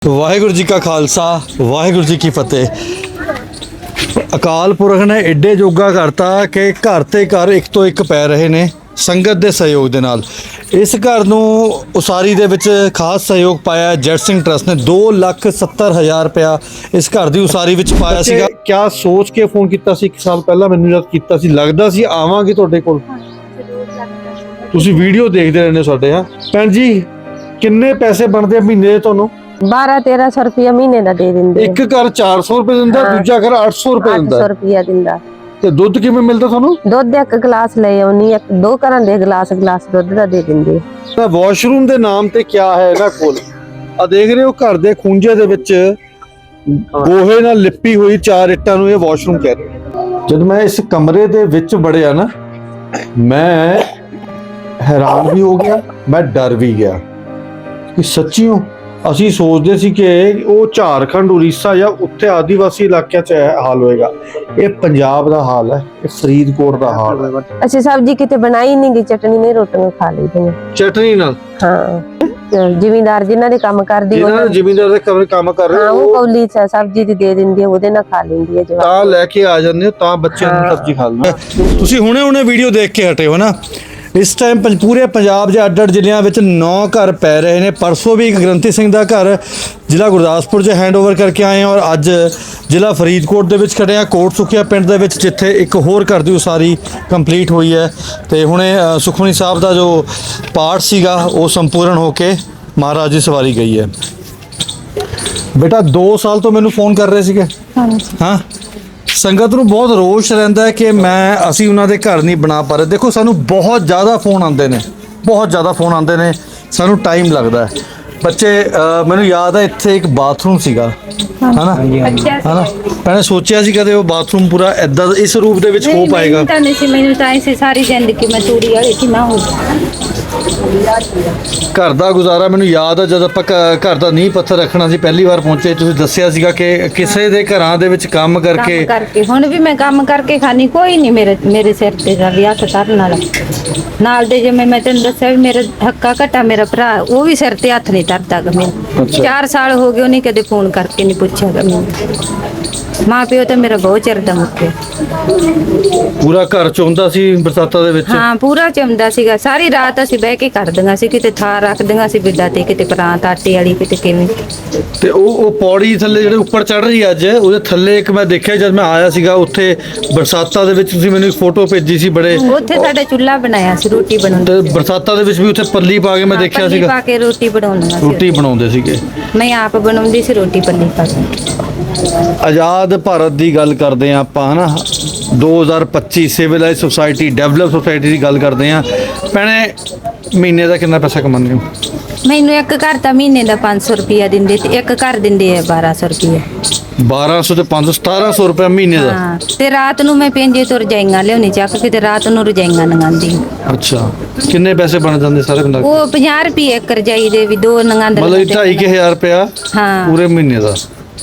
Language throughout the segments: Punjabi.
ਵਾਹਿਗੁਰੂ ਜੀ ਕਾ ਖਾਲਸਾ ਵਾਹਿਗੁਰੂ ਜੀ ਕੀ ਫਤਿਹ। ਅਕਾਲ ਪੁਰਖ ਨੇ ਐਡੇ ਜੋਗਾ ਕਰਤਾ ਕਿ ਘਰ ਤੇ ਘਰ ਇੱਕ ਤੋਂ ਇੱਕ ਪੈ ਰਹੇ ਨੇ ਸੰਗਤ ਦੇ ਸਹਿਯੋਗ ਦੇ ਨਾਲ। ਇਸ ਘਰ ਨੂੰ ਉਸਾਰੀ ਦੇ ਵਿੱਚ ਖਾਸ ਸਹਿਯੋਗ ਪਾਇਆ ਜੈਟ ਸਿੰਘ ਟਰਸਟ ਨੇ। 2,70,000 ਰੁਪਇਆ ਇਸ ਘਰ ਦੀ ਉਸਾਰੀ ਵਿੱਚ ਪਾਇਆ ਸੀਗਾ। ਕਿਆ ਸੋਚ ਕੇ ਫੋਨ ਕੀਤਾ ਸੀ 1 ਸਾਲ ਪਹਿਲਾਂ? ਮੈਨੂੰ ਜਦ ਕੀਤਾ ਸੀ ਲੱਗਦਾ ਸੀ ਆਵਾਂਗੇ ਤੁਹਾਡੇ ਕੋਲ। ਤੁਸੀਂ ਵੀਡੀਓ ਦੇਖਦੇ ਰਹਿੰਦੇ ਸਾਡੇ। ਹਾਂ ਭੈਣ ਜੀ, ਕਿੰਨੇ ਪੈਸੇ ਬਣਦੇ ਆ ਮਹੀਨੇ ਦੇ ਤੁਹਾਨੂੰ? 1200-1300 रुपया महीने का दे देंगे। एक घर 400 रुपए दिंदा, दूजा घर 800 रुपए दिंदा। 800 रुपया दिंदा। ते दुध किवें मिलदा थानू? दुध एक गिलास ले आउनी, एक दो घरां दे गिलास दुध दा दे दिंदे। वाशरूम दे नाम ते क्या है इहनां कोल? आ देख रहे हो घर दे खूंजे दे विच गोहे नाल लिपी हुई 4 ਇੱਟਾਂ ਨੂੰ ਇਹ ਵਾਸ਼ਰੂਮ कहते हैं। जब मैं इस कमरे दे विच वड़िया ना, मैं हैरान भी हो गया, मैं डर भी गया कि सच्चियों ਅਸੀਂ ਸੋਚਦੇ ਸੀ ਕਿ ਉਹ ਝਾਰਖੰਡ ਉੜੀਸਾ ਜਾਂ ਉੱਥੇ ਆਦੀਵਾਸੀ ਇਲਾਕਿਆਂ 'ਚ ਹਾਲ ਹੋਏਗਾ। ਇਹ ਪੰਜਾਬ ਦਾ ਹਾਲ ਹੈ, ਇਹ ਫਰੀਦਕੋਟ ਦਾ ਹਾਲ ਹੈ। ਅਸੀਂ ਸਬਜ਼ੀ ਕਿਤੇ ਬਣਾਈ ਨਹੀਂ ਗਈ, ਚਟਨੀ ਨਹੀਂ ਰੋਟੀਆਂ ਖਾ ਲਈਆਂ ਚਟਨੀ ਨਾਲ। ਹਾਂ, ਜ਼ਿਮੀਂਦਾਰ ਜਿਨ੍ਹਾਂ ਦੇ ਕੰਮ ਕਰਦੀ ਜਿਹਨਾਂ ਜ਼ਿਮੀਂਦਾਰ ਦੇ ਕੰਮ ਕਰ ਰਹੇ ਉਹ ਕੌਲੀ ਸਬਜ਼ੀ ਦੀ ਦੇ ਦਿੰਦੀ, ਉਹਦੇ ਨਾਲ ਖਾ ਲੈਂਦੀ ਹੈ ਜਵਾਕ। ਤਾਂ ਲੈ ਕੇ ਆ ਜਾਂਦੇ ਹੋ ਤਾਂ ਬੱਚਿਆਂ ਨੂੰ ਸਬਜ਼ੀ ਖਾ ਲੈਂਦੇ। ਤੁਸੀਂ ਹੁਣੇ ਵੀਡੀਓ ਦੇਖ ਕੇ ਹਟੇ ਹੋ ਨਾ। ਇਸ ਟਾਈਮ ਪੂਰੇ ਪੰਜਾਬ ਦੇ ਅੱਡ-ਅੱਡ ਜ਼ਿਲ੍ਹਿਆਂ ਵਿੱਚ 9 ਘਰ ਪੈ ਰਹੇ ਨੇ। ਪਰਸੋਂ ਵੀ ਇੱਕ ਗ੍ਰੰਥੀ ਸਿੰਘ ਦਾ ਘਰ ਜ਼ਿਲ੍ਹਾ ਗੁਰਦਾਸਪੁਰ 'ਚ ਹੈਂਡਓਵਰ ਕਰਕੇ ਆਏ ਹਾਂ ਔਰ ਅੱਜ ਜ਼ਿਲ੍ਹਾ ਫਰੀਦਕੋਟ ਦੇ ਵਿੱਚ ਖੜੇ ਹਾਂ, ਕੋਟ ਸੁਖੀਆ ਪਿੰਡ ਦੇ ਵਿੱਚ, ਜਿੱਥੇ ਇੱਕ ਹੋਰ ਘਰ ਦੀ ਉਸਾਰੀ ਕੰਪਲੀਟ ਹੋਈ ਹੈ। ਤੇ ਹੁਣੇ ਸੁਖਮਨੀ ਸਾਹਿਬ ਦਾ ਜੋ ਪਾਠ ਸੀਗਾ ਉਹ ਸੰਪੂਰਨ ਹੋ ਕੇ ਮਹਾਰਾਜ ਦੀ ਸਵਾਰੀ ਗਈ ਹੈ। ਬੇਟਾ 2 ਸਾਲ ਤੋਂ ਮੈਨੂੰ ਫੋਨ ਕਰ ਰਹੇ ਸੀਗੇ। ਹਾਂ, ਸੰਗਤ ਨੂੰ ਬਹੁਤ ਰੋਸ਼ ਰਹਿੰਦਾ ਹੈ ਕਿ ਅਸੀਂ ਉਹਨਾਂ ਦੇ ਘਰ ਨਹੀਂ ਬਣਾ ਪਾ ਰਹੇ। ਦੇਖੋ, ਸਾਨੂੰ ਬਹੁਤ ਜ਼ਿਆਦਾ ਫੋਨ ਆਉਂਦੇ ਨੇ, ਸਾਨੂੰ ਟਾਈਮ ਲੱਗਦਾ ਹੈ। ਬੱਚੇ ਮੈਨੂੰ ਯਾਦ ਹੈ ਇੱਥੇ ਇੱਕ ਬਾਥਰੂਮ ਸੀਗਾ, ਹਨਾ ਪਹਿਲਾਂ ਸੋਚਿਆ ਸੀ ਕਦੇ ਉਹ ਬਾਥਰੂਮ ਪੂਰਾ ਏਦਾਂ ਇਸ ਰੂਪ ਦੇ ਵਿੱਚ ਹੋ ਪਾਏਗਾ? ਮੈਨੂੰ ਤਾਂ ਇਸੇ ਸਾਰੀ ਜ਼ਿੰਦਗੀ ਮੈਂ ਤੂੜੀ ਵਾਲੀ ਕਿ ਨਾ ਹੋ ਘਰ ਦਾ ਗੁਜ਼ਾਰਾ। ਮੈਨੂੰ ਯਾਦ ਹੈ ਜਦ ਆਪਾਂ ਘਰ ਦਾ ਨੀਂਹ ਪੱਥਰ ਰੱਖਣਾ ਸੀ, ਪਹਿਲੀ ਵਾਰ ਪਹੁੰਚੇ, ਤੁਸੀਂ ਦੱਸਿਆ ਸੀਗਾ ਕਿ ਕਿਸੇ ਦੇ ਘਰਾਂ ਦੇ ਵਿੱਚ ਕੰਮ ਕਰਕੇ ਹੁਣ ਵੀ ਮੈਂ ਕੰਮ ਕਰਕੇ ਖਾਣੀ, ਕੋਈ ਨਹੀਂ ਮੇਰੇ ਸਿਰ ਤੇ ਦਾ ਵਿਆਹ ਕਰਨ ਵਾਲਾ ਨਾਲ ਦੇ। ਜਿਵੇਂ ਮੈਂ ਤੈਨੂੰ ਦੱਸਿਆ ਵੀ ਮੇਰਾ ਹੱਕਾ ਘਟਾ ਮੇਰਾ ਭਰਾ, ਉਹ ਵੀ ਸਿਰ ਤੇ ਹੱਥ ਨਹੀਂ ਧਰਦਾ ਗਾ ਮੈਨੂੰ। 4 ਸਾਲ ਹੋ ਗਏ, ਉਹਨੇ ਕਦੇ ਫੋਨ ਕਰਕੇ ਨਹੀਂ ਪੁੱਛਿਆ ਗਾ ਮੈਨੂੰ। ਮਾਂ ਪਿਓ ਤਾਂ ਮੇਰਾ ਬਹੁਤ ਚਿਰ ਦਾ ਮੁੱਕਿਆ। ਪੂਰਾ ਘਰ ਚੋਂਦਾ ਸੀ ਬਰਸਾਤਾਂ ਦੇ ਵਿੱਚ। ਹਾਂ, ਪੂਰਾ ਚਮਦਾ ਸੀਗਾ। ਸਾਰੀ ਰਾਤ ਅਸੀਂ ਬਹਿ ਕੇ ਕਰਦੀਆਂ ਸੀ, ਕਿਤੇ ਥਾਰ ਰੱਖਦੀਆਂ ਸੀ ਬਿੱਡਾ ਤੇ, ਕਿਤੇ ਪਰਾਂਤ ਆਟੇ ਵਾਲੀ, ਕਿਤੇ ਕਿਵੇਂ। ਤੇ ਉਹ ਪੌੜੀ ਥੱਲੇ ਜਿਹੜੇ ਉੱਪਰ ਚੜ ਰਹੀ ਅੱਜ, ਉਹਦੇ ਥੱਲੇ ਇੱਕ ਮੈਂ ਦੇਖਿਆ ਜਦ ਮੈਂ ਆਇਆ ਸੀਗਾ ਉੱਥੇ ਬਰਸਾਤਾਂ ਦੇ ਵਿੱਚ, ਤੁਸੀਂ ਮੈਨੂੰ ਇੱਕ ਫੋਟੋ ਭੇਜੀ ਸੀ ਬੜੇ। ਉੱਥੇ ਸਾਡਾ ਚੁੱਲ੍ਹਾ ਬਣਾਇਆ ਸੀ, ਰੋਟੀ ਬਣਾਉਂਦੇ। ਤੇ ਬਰਸਾਤਾਂ ਦੇ ਵਿੱਚ ਵੀ ਉੱਥੇ ਪੱਲੀ ਪਾ ਕੇ ਮੈਂ ਦੇਖਿਆ ਸੀਗਾ, ਪਾ ਕੇ ਰੋਟੀ ਬਣਾਉਂਦੇ ਸੀਗੇ। ਮੈਂ ਆਪ ਬਣਾਉਂਦੀ ਸੀ ਰੋਟੀ ਪੱਲੀ ਪਾ ਕੇ। ਆਜ਼ਾਦ ਭਾਰਤ ਦੀ ਗੱਲ ਕਰਦੇ ਆ ਆਪਾਂ, ਹਨਾ 2025 ਸਿਵਲਾਈਜ਼ ਸੋਸਾਇਟੀ, ਡਿਵੈਲਪ ਸੋਸਾਇਟੀ ਦੀ ਗੱਲ ਕਰਦੇ ਆ। ਭੈਣੇ, ਮਹੀਨੇ ਦਾ ਕਿੰਨਾ ਪੈਸਾ ਕਮਾਉਂਦੇ ਹੋ? ਮੈਨੂੰ ਇੱਕ ਘਰ ਤਾਂ ਮਹੀਨੇ ਦਾ 500 ਰੁਪਇਆ ਦਿੰਦੇ ਤੇ ਇੱਕ ਘਰ ਦਿੰਦੇ ਆ 1200 ਰੁਪਇਆ। 1200 ਤੇ 500 1700 ਰੁਪਏ ਮਹੀਨੇ ਦਾ। ਹਾਂ, ਤੇ ਰਾਤ ਨੂੰ ਮੈਂ ਪੈਂਜੇ ਤੋਂ ਰਜਾਈਆਂ ਲਿਆਉਣੀ ਚੱਕ ਕੇ, ਤੇ ਰਾਤ ਨੂੰ ਰਜਾਈਆਂ ਨੰਗਾਂਦੀ। ਅੱਛਾ, ਕਿੰਨੇ ਪੈਸੇ ਬਣ ਜਾਂਦੇ ਸਾਰੇ ਮਿਲਾ ਕੇ? ਉਹ 50 ਰੁਪਏ ਇੱਕ ਰਜਾਈ ਦੇ ਵੀ 2 ਨੰਗਾਂਦੇ, ਮਤਲਬ 2,500 ਰੁਪਇਆ ਹਾਂ ਪੂਰੇ ਮਹੀਨੇ ਦਾ।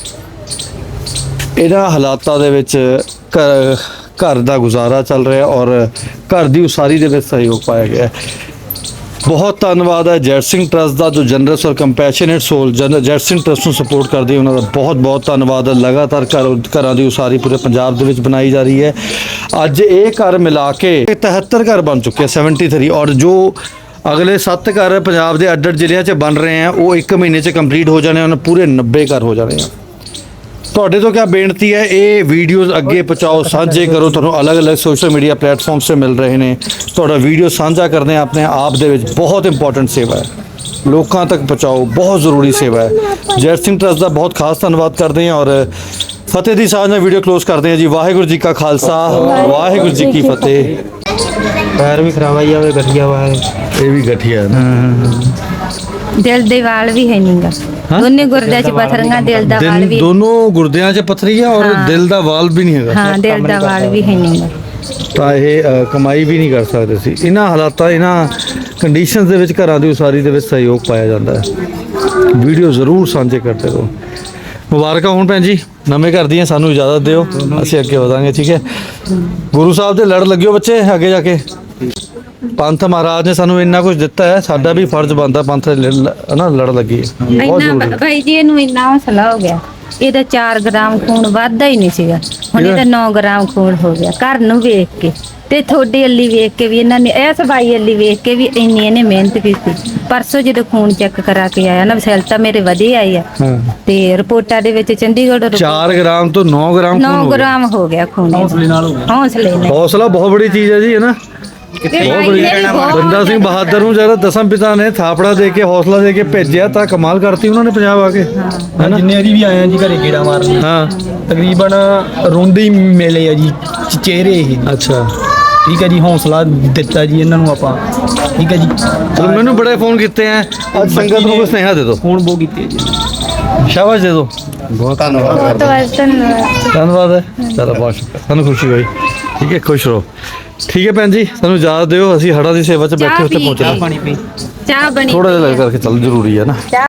ਇਹਨਾਂ ਹਾਲਾਤਾਂ ਦੇ ਵਿੱਚ ਘਰ ਦਾ ਗੁਜ਼ਾਰਾ ਚੱਲ ਰਿਹਾ ਔਰ ਘਰ ਦੀ ਉਸਾਰੀ ਦੇ ਵਿੱਚ ਸਹਿਯੋਗ ਪਾਇਆ ਗਿਆ। ਬਹੁਤ ਧੰਨਵਾਦ ਹੈ ਜੈਟ ਸਿੰਘ ਟਰਸਟ ਦਾ, ਜੋ ਜਨਰਸ ਔਰ compassionate soul Jait Singh trust ਨੂੰ ਸਪੋਰਟ ਕਰਦੀ ਹੈ, ਉਹਨਾਂ ਦਾ ਬਹੁਤ ਧੰਨਵਾਦ ਹੈ। ਲਗਾਤਾਰ ਘਰਾਂ ਦੀ ਉਸਾਰੀ ਪੂਰੇ ਪੰਜਾਬ ਦੇ ਵਿੱਚ ਬਣਾਈ ਜਾ ਰਹੀ ਹੈ। ਅੱਜ ਇਹ ਘਰ ਮਿਲਾ ਕੇ 73 ਘਰ ਬਣ ਚੁੱਕੇ 73, ਔਰ ਜੋ ਅਗਲੇ 7 ਘਰ ਪੰਜਾਬ ਦੇ ਅੱਡ-ਅੱਡ ਜ਼ਿਲ੍ਹਿਆਂ 'ਚ ਬਣ ਰਹੇ ਆ ਉਹ 1 ਮਹੀਨੇ 'ਚ ਕੰਪਲੀਟ ਹੋ ਜਾਣੇ, ਉਹਨਾਂ ਪੂਰੇ 90 ਘਰ ਹੋ ਜਾਣੇ ਆ। ਤੁਹਾਡੇ ਤੋਂ ਕਿਆ ਬੇਨਤੀ ਹੈ, ਇਹ ਵੀਡੀਓਜ਼ ਅੱਗੇ ਪਹੁੰਚਾਓ, ਸਾਂਝੇ ਕਰੋ। ਤੁਹਾਨੂੰ ਅਲੱਗ-ਅਲੱਗ ਸੋਸ਼ਲ ਮੀਡੀਆ ਪਲੇਟਫਾਰਮਸ 'ਤੇ ਮਿਲ ਰਹੇ ਨੇ। ਤੁਹਾਡਾ ਵੀਡੀਓ ਸਾਂਝਾ ਕਰਦੇ ਆ ਆਪਣੇ ਆਪ ਦੇ ਵਿੱਚ ਬਹੁਤ ਇੰਪੋਰਟੈਂਟ ਸੇਵਾ ਹੈ, ਲੋਕਾਂ ਤੱਕ ਪਹੁੰਚਾਓ, ਬਹੁਤ ਜ਼ਰੂਰੀ ਸੇਵਾ ਹੈ। ਜੈਟ ਸਿੰਘ ਟਰਸਟ ਦਾ ਬਹੁਤ ਖਾਸ ਧੰਨਵਾਦ ਕਰਦੇ ਹਾਂ ਔਰ ਫਤਿਹ ਦੀ ਸਾਂਝ ਨਾਲ ਵੀਡੀਓ ਕਲੋਜ਼ ਕਰਦੇ ਹਾਂ ਜੀ। ਵਾਹਿਗੁਰੂ ਜੀ ਕਾ ਖਾਲਸਾ, ਵਾਹਿਗੁਰੂ ਜੀ ਕੀ ਫਤਿਹ। ਪੈਰ ਵੀ ਖਰਾਬ ਆਈ ਜਾਵੇ, ਗਠੀਆ ਵਾ ਇਹ ਵੀ ਗਠੀਆ ਨਾ, ਦਿਲ ਦੇ ਵਾਲ ਵੀ ਹੈ ਨਹੀਂਗਾ, ਦੋਨੇ ਗੁਰਦਿਆਂ 'ਚ ਪੱਥਰੀਆਂ, ਦਿਲ ਦਾ ਵਾਲ ਵੀ, ਦੋਨੋਂ ਗੁਰਦਿਆਂ 'ਚ ਪੱਥਰੀ ਹੈ ਔਰ ਦਿਲ ਦਾ ਵਾਲ ਵੀ ਨਹੀਂ ਹੈਗਾ। ਹਾਂ, ਦਿਲ ਦਾ ਵਾਲ ਵੀ ਹੈ ਨਹੀਂਗਾ। ਤਾਂ ਇਹ ਕਮਾਈ ਵੀ ਨਹੀਂ ਕਰ ਸਕਦੇ ਸੀ। ਇਹਨਾਂ ਹਾਲਾਤਾਂ, ਇਹਨਾਂ ਕੰਡੀਸ਼ਨਸ ਦੇ ਵਿੱਚ ਘਰਾਂ ਦੀ ਉਸਾਰੀ ਦੇ ਵਿੱਚ ਸਹਿਯੋਗ ਪਾਇਆ ਜਾਂਦਾ ਹੈ। ਵੀਡੀਓ ਜ਼ਰੂਰ ਸਾਂਝੇ ਕਰਦੇ ਰਹੋ। ਮੁਬਾਰਕਾਂ ਹੋਣ ਭੈਣ ਜੀ, ਨਵੇਂ ਘਰ ਦੀਆਂ। ਸਾਨੂੰ ਇਜਾਜ਼ਤ ਦਿਓ, ਅਸੀਂ ਅੱਗੇ ਵਧਾਂਗੇ, ਠੀਕ ਹੈ? ਗੁਰੂ ਸਾਹਿਬ ਦੇ ਲੜ ਲੱਗਿਓ ਬੱਚੇ, ਅੱਗੇ ਜਾ ਕੇ। ਪੰਥ ਮਹਾਰਾਜ ਨੇ ਸਾਨੂੰ ਇੰਨਾ ਕੁਝ ਦਿੱਤਾ ਹੈ, ਸਾਡਾ ਵੀ ਫਰਜ਼ ਬਣਦਾ ਪੰਥ ਦੇ ਨਾ ਲੜ ਲੱਗੀ ਬਹੁਤ ਇੰਨਾ ਜ਼ਰੂਰੀ। ਭਾਈ ਜੀ ਇਹਨੂੰ ਇੰਨਾ ਹੌਸਲਾ ਹੋ ਗਿਆ, ਇਹਦਾ 4 ਗ੍ਰਾਮ ਖੂਨ ਵੱਧਦਾ ਹੀ ਨਹੀਂ ਸੀਗਾ, ਹੁਣ ਇਹਦਾ 9 ਗ੍ਰਾਮ ਖੂਨ ਹੋ ਗਿਆ ਘਰ ਨੂੰ ਵੇਖ ਕੇ, ਤੇ ਤੁਹਾਡੀ ਅੱਲੀ ਵੇਖ ਕੇ ਵੀ ਇਹਨਾਂ ਨੇ, ਇਸ ਬਾਈ ਅੱਲੀ ਵੇਖ ਕੇ ਵੀ ਇੰਨੀ ਇਹਨੇ ਮਿਹਨਤ ਕੀਤੀ। ਪਰਸੋਂ ਜਦੋਂ ਖੂਨ ਚੈੱਕ ਕਰਾ ਕੇ ਆਇਆ ਨਾ, ਸੈੱਲ ਤਾਂ ਮੇਰੇ ਵਧੇ ਆਈ ਆ, ਹਾਂ ਤੇ ਰਿਪੋਰਟਾਂ ਦੇ ਵਿੱਚ ਚੰਡੀਗੜ੍ਹ 4 ਗ੍ਰਾਮ ਤੋਂ 9 ਗ੍ਰਾਮ ਖੂਨ 9 ਹੋ ਗਿਆ। ਗ੍ਰਾਮ ਹੋ ਗਿਆ ਖੂਨ ਹੌਸਲੇ ਨਾਲ ਹੌਸਲਾ ਬਹੁਤ ਬੜੀ ਚੀਜ਼ ਹੈ ਜੀ, ਹੈ ਨਾ। ਬਹੁਤ ਬੜੀ ਬੰਦਾ ਸਿੰਘ ਬਹਾਦਰ ਨੂੰ ਜਦੋਂ ਦਸਮ ਪਿਤਾ ਨੇ ਥਾਪੜਾ ਦੇ ਕੇ ਹੌਸਲਾ ਦੇ ਕੇ ਭੇਜਿਆ ਤਾਂ ਕਮਾਲ ਕਰਤੀ ਉਹਨਾਂ ਨੇ ਪੰਜਾਬ ਆ ਕੇ, ਹੈ ਨਾ। ਜਿੰਨੇ ਵਾਰੀ ਵੀ ਆਏ ਆ ਜੀ ਘਰੇ ਗੇੜਾ ਮਾਰਨ, ਹਾਂ ਤਕਰੀਬਨ ਰੋਂਦੇ ਹੀ ਮਿਲੇ ਆ ਜੀ ਚਿਹਰੇ ਇਹ। ਅੱਛਾ ਠੀਕ ਹੈ ਜੀ, ਹੌਸਲਾ ਦਿੱਤਾ ਜੀ ਇਹਨਾਂ ਨੂੰ ਆਪਾਂ। ਠੀਕ ਹੈ ਜੀ, ਚਲੋ ਮੈਨੂੰ ਬੜੇ ਫੋਨ ਕੀਤੇ ਆ, ਅੱਜ ਸੰਗਤ ਨੂੰ ਕੋਈ ਸੁਨੇਹਾ ਦੇ ਦਿਓ, ਫੋਨ ਬਹੁਤ ਕੀਤੇ ਜੀ। ਸ਼ਾਬਾਸ਼ ਦੇ ਦਿਓ। ਬਹੁਤ ਧੰਨਵਾਦ। ਧੰਨਵਾਦ ਹੈ, ਚਲੋ ਬਹੁਤ ਸ਼ੁਕਰ, ਸਾਨੂੰ ਖੁਸ਼ੀ ਹੋਈ। ਠੀਕ ਹੈ, ਖੁਸ਼ ਰਹੋ। ਠੀਕ ਹੈ ਭੈਣ ਜੀ, ਸਾਨੂੰ ਇਜਾਜ਼ਤ ਦਿਓ, ਅਸੀਂ ਹੜ੍ਹਾਂ ਦੀ ਸੇਵਾ 'ਚ ਬੈਠੇ ਉੱਥੇ ਪਹੁੰਚਣਾ। ਚਾਹ ਬਣੀ ਥੋੜਾ ਜਿਹਾ ਲੱਗ ਕਰਕੇ ਚੱਲ, ਜ਼ਰੂਰੀ ਹੈ ਨਾ।